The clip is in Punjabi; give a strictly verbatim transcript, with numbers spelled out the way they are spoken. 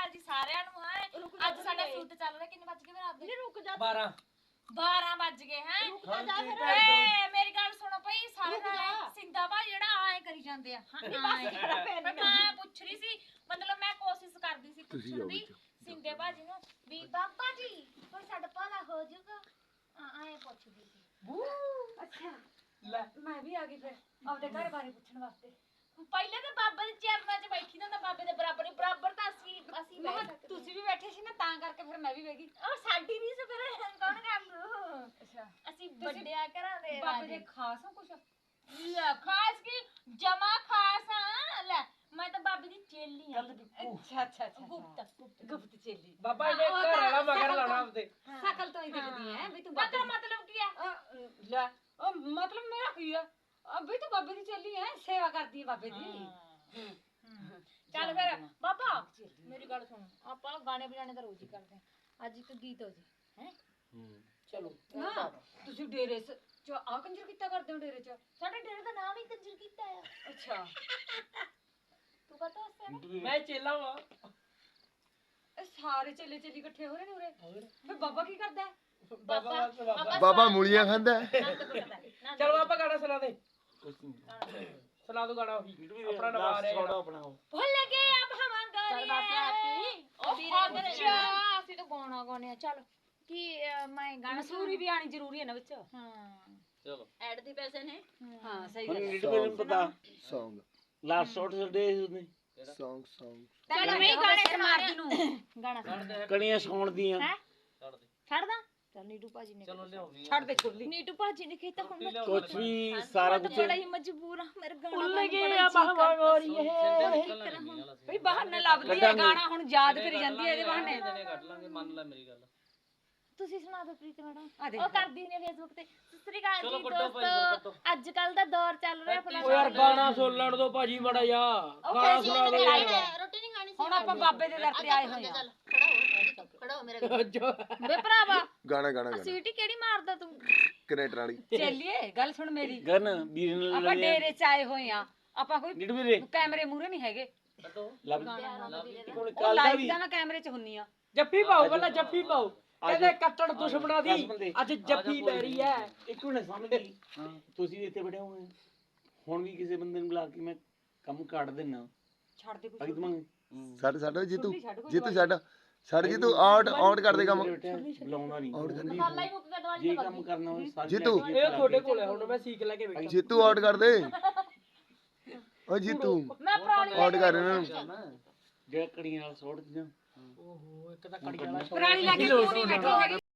ਅਕਾਲ ਜੀ ਸਾਰਿਆਂ ਨੂੰ ਹੈ ਅੱਜ ਸਾਡਾ ਸੂਟ ਚੱਲ ਰਿਹਾ ਕਿੰਨੇ ਵੱਜ ਗਏ ਫਿਰ ਆਪਦੇ ਨਹੀਂ ਰੁਕ ਜਾ ਬਾਰਾਂ ਬਾਰਾਂ ਵੱਜ ਗਏ ਹੈ ਰੁਕ ਜਾ ਜਾ ਫਿਰ ਏ ਮੇਰੀ ਗੱਲ ਸੁਣੋ ਭਈ ਸਾਰੇ ਨਾਲ ਸਿੰਦਾ ਭਾ ਜਿਹੜਾ ਐ ਕਰੀ ਜਾਂਦੇ ਆ ਹਾਂ ਮੈਂ ਪੁੱਛ ਰਹੀ ਸੀ ਮਤਲਬ ਮੈਂ ਕੋਸ਼ਿਸ਼ ਕਰਦੀ ਸੀ ਪੁੱਛਣ ਦੀ ਸਿੰਦੇ ਭਾਜੀ ਨੂੰ ਵੀ ਬਾਬਾ ਜੀ ਕੋਈ ਸਾਡਾ ਭਲਾ ਹੋ ਜਾਊਗਾ ਐ ਪੁੱਛਦੀ ਸੀ ਅੱਛਾ ਲੈ ਮੈਂ ਵੀ ਆ ਗਈ ਫਿਰ ਆਪਦੇ ਘਰ ਬਾਰੇ ਪੁੱਛਣ ਵਾਸਤੇ ਪਹਿਲੇ ਤਾਂ ਬਾਬਾ ਦੇ ਚਰਨਾਂ 'ਚ ਬੈਠੀ ਨਾ ਬਾਬੇ ਦੇ ਬਰਾਬਰ ਬਰਾਬਰ ਤਾਂ ਅਸੀਂ ਅਸੀਂ ਮੈਂ ਬੈਠ ਕਿਹਾ ਸਕਦੇ ਤੁਸੀਂ ਵੀ ਬੈਠੇ ਸੀ ਨਾ ਤਾਂ ਕਰਕੇ ਫਿਰ ਮੈਂ ਵੀ ਬਹਿ ਗਈ ਉਹ ਸਾਡੀ ਨਹੀਂ ਸੀ ਫਿਰ ਕੌਣ ਕਰ ਲੂ ਅੱਛਾ ਅਸੀਂ ਵੱਡਿਆ ਘਰਾਂ ਦੇ ਬਾਬੇ ਦੇ ਖਾਸ ਹੋ ਕੁਛ ਲੈ ਖਾਸ ਕੀ ਜਮਾ ਖਾਸ ਆ ਲੈ ਮੈਂ ਤਾਂ ਬਾਬੇ ਦੀ ਚੇਲੀ ਆ ਅੱਛਾ ਅੱਛਾ ਅੱਛਾ ਗੁਪਤ ਗੁਪਤ ਗੁਪਤ ਚੇਲੀ ਬਾਬਾ ਇਹਨੇ ਘਰ ਵਾਲਾ ਮਗਰ ਲਾਉਣਾ ਆਪਦੇ ਸ਼ਕਲ ਤੋਂ ਹੀ ਦਿਖਦੀ ਹੈ ਵੀ ਤੂੰ ਬਾਬਾ ਬਾਬੇ ਮਤਲਬ ਕੀ ਆ ਅ, ਲੈ ਉਹ ਮਤਲਬ ਮੇਰਾ ਕੀ ਆ ਅ, ਵੀ ਤੂੰ ਬਾਬੇ ਦੀ ਚੇਲੀ ਹੈ ਸੇਵਾ ਕਰਦੀ ਹੈ ਬਾਬੇ ਦੀ ਚੱਲ ਫਿਰ ਬਾਬਾ ਮੇਰੀ ਗੱਲ ਸੁਣ ਆਪਾਂ ਗਾਣੇ ਵਜਾਣੇ ਤਾਂ ਰੋਜ਼ ਹੀ ਕਰਦੇ ਆ ਅੱਜ ਇੱਕ ਗੀਤ ਹੋ ਜੀ ਹੈ ਚਲੋ ਨਾ ਤੁਸੀਂ ਡੇਰੇ ਚ ਆ ਕੰਜਰ ਕੀਤਾ ਕਰਦੇ ਹੋ ਡੇਰੇ ਚ ਸਾਡੇ ਡੇਰੇ ਦਾ ਨਾਮ ਹੀ ਕੰਜਰ ਕੀਤਾ ਆ ਅੱਛਾ ਤੂੰ ਪਤਾ ਉਸੇ ਮੈਂ ਚੇਲਾ ਵਾਂ ਇਹ ਸਾਰੇ ਚੇਲੇ ਚੇਲੀ ਇਕੱਠੇ ਹੋ ਰਹੇ ਨੇ ਉਰੇ ਫਿਰ ਬਾਬਾ ਕੀ ਕਰਦਾ ਹੈ ਬਾਬਾ ਵਾਸਤੇ ਬਾਬਾ ਬਾਬਾ ਮੂਲੀਆਂ ਖਾਂਦਾ ਚਲ ਬਾਬਾ ਗਾਣਾ ਸੁਣਾ ਦੇ ਸੁਣਾ ਦੋ ਗਾਣਾ ਉਹੀ ਆਪਣਾ ਨਵਾ ਆ ਰਿਹਾ ਆਪਣਾ ਭੁੱਲ ਗਏ ਅਬ ਹਮ ਗੋਰੀਏ ਉਹ ਅੱਛਾ ਅਸੀਂ ਤਾਂ ਗਾਣਾ ਗਾਉਣੇ ਆ ਚੱਲ ਕੀ ਅਹ, ਮੈਂ ਗਾਣਾ ਮਸੂਰੀ ਵੀ ਆਣੀ ਜ਼ਰੂਰੀ ਹੈ ਨਾ ਵਿੱਚ ਹਾਂ ਚਲੋ ਐਡ ਦੇ ਪੈਸੇ ਨੇ ਹਾਂ ਸਹੀ ਹੁਣ ਗੱਲ ਨੀਟ ਮੈਨੂੰ ਪਤਾ Song ਲਾਸਟ ਸ਼ਾਟ ਛੱਡੇ ਉਹਨੇ song song ਚੱਲ ਮੈਂ ਗਾਣੇ ਤੇ ਮਾਰਦੀ ਨੂੰ ਗਾਣਾ ਸੁਣਾ ਕਣੀਆਂ ਸੌਣ ਦੀਆਂ ਹੈ ਛੱਡਦਾ ਚੱਲ ਨੀਟੂ ਭਾਜੀ ਨੇ ਚਲੋ ਲਿਆਓ ਛੱਡ ਦੇ ਖੁਰਲੀ ਨੀਟੂ ਭਾਜੀ ਨੇ ਕੀਤਾ ਹੁਣ ਮੈਂ ਕੁਛ ਵੀ ਸਾਰਾ ਕੁਝ ਬੜਾ ਹੀ ਮਜਬੂਰ ਆ ਮੇਰੇ ਗਾਣਾ ਭੁੱਲ ਗਏ ਆ ਬਾਬਾ ਗੋਰੀਏ ਬਈ ਬਹਾਨਾ ਲੱਭਦੀ ਹੈ ਗਾਣਾ ਹੁਣ ਯਾਦ ਕਰੀ ਜਾਂਦੀ ਹੈ ਇਹਦੇ ਬਹਾਨੇ ਦਿਨੇ ਕੱਢ ਲਾਂਗੇ ਮੰਨ ਲੈ ਮੇਰੀ ਗੱਲ ਤੁਸੀਂ ਸੁਣਾ ਦਿਓ ਪ੍ਰੀਤ ਮੈਡਮ ਆ ਦੇਖ ਉਹ ਕਰਦੀ ਨੇ ਫੇਸਬੁੱਕ ਤੇ ਸਤਿ ਸ੍ਰੀ ਅਕਾਲ ਚਲੋ ਜੀ ਕੱਢੋ ਭਾਈ, ਦੋਸਤੋ ਅੱਜ ਕੱਲ ਦਾ ਦੌਰ ਚੱਲ ਰਿਹਾ ਆਪਣਾ ਓ ਯਾਰ ਗਾਣਾ ਸੁਣ ਲੈਣ ਦੋ ਭਾਜੀ ਮੜਾ ਜਾ ਗਾਣਾ ਸੁਣਾ ਦੇ ਰੋਟੀ ਨਹੀਂ ਖਾਣੀ ਹੁਣ ਆਪਾਂ ਬਾਬੇ ਦੇ ਦਰ ਤੇ ਆਏ ਹੋਏ ਆ ਖੜਾ ਹੋ ਮੇਰੇ ਕੋਲ ਜੋ ਵੇ ਭਰਾਵਾ ਗਾਣਾ ਗਾਣਾ ਗਾਣਾ ਸੀਟੀ ਕਿਹੜੀ ਮਾਰਦਾ ਤੂੰ ਕਨੇਟਰ ਵਾਲੀ ਚੱਲੀਏ ਗੱਲ ਸੁਣ ਮੇਰੀ ਗਨ ਵੀਰ ਨਾਲ ਆਪਾਂ ਡੇਰੇ ਚ ਆਏ ਹੋਏ ਆ ਆਪਾਂ ਕੋਈ ਨੀਟ ਵੀਰੇ ਕੈਮਰੇ ਮੂਰੇ ਨਹੀਂ ਹੈਗੇ ਲੱਭ ਉਹ ਕੱਲ ਦਾ ਲਾਈਵ ਵੀ ਦਾ ਮੈਂ ਕੈਮਰੇ ਚ ਹੁੰਨੀ ਆ ਜੱਫੀ ਪਾਓ ਪਹਿਲਾਂ ਜੱਫੀ ਪਾਓ ਕਹਿੰਦੇ ਕੱਟੜ ਦੁਸ਼ਮਣਾ ਦਸ ਦੀ ਬੰਦੇ। ਅੱਜ ਜੱਫੀ ਪੈ ਰਹੀ ਹੈ ਇੱਕ ਮਿੰਟ ਸਮਝ ਗਈ ਹਾਂ ਤੁਸੀਂ ਇੱਥੇ ਬੈਠੇ ਹੋਏ ਹੁਣ ਵੀ ਕਿਸੇ ਬੰਦੇ ਨੂੰ ਬੁਲਾ ਕੇ ਮੈਂ ਕੰਮ ਕੱਢ ਦੇਣਾ ਛੱਡ ਦੇ ਬਾਕੀ ਤੁਮਾਂ ਛੱਡ ਛੱਡ ਜੀਤੂ ਜੀਤੂ ਛੱਡ ਛੱਡ ਜੀਤੂ ਆਊਟ ਆਊਟ ਕਰ ਦੇ ਕੰਮ ਬੁਲਾਉਣਾ ਨਹੀਂ ਕੱਲਾ ਹੀ ਮੁੱਕ ਗਿਆ ਦਵਾਈ ਜੇ ਕੰਮ ਕਰਨਾ ਹੋਵੇ ਸਾਰੇ ਜੀਤੂ। ਲੈ ਕੇ ਇਹ ਤੁਹਾਡੇ ਕੋਲ ਹੈ ਹੁਣ ਮੈਂ ਸੀਖ ਲੈ ਕੇ ਬੈਠਾ ਜੀਤੂ ਆਊਟ ਕਰ ਦੇ ਓ ਜੀਤੂ ਮੈਂ ਪੁਰਾਣੀ ਆਊਟ ਕਰ ਇਹਨਾਂ ਨੂੰ ਜਿਹੜਾ ਕੜੀਆਂ ਨਾਲ ਸੁੱਟ ਦੀਆਂ ਓਹੋ ਇੱਕ ਤਾਂ ਕੜੀ ਵਾਲਾ ਪੁਰਾਣੀ ਲੈ ਕੇ ਕਿਉਂ ਨਹੀਂ ਬੈਠੀ ਹੈਗੀ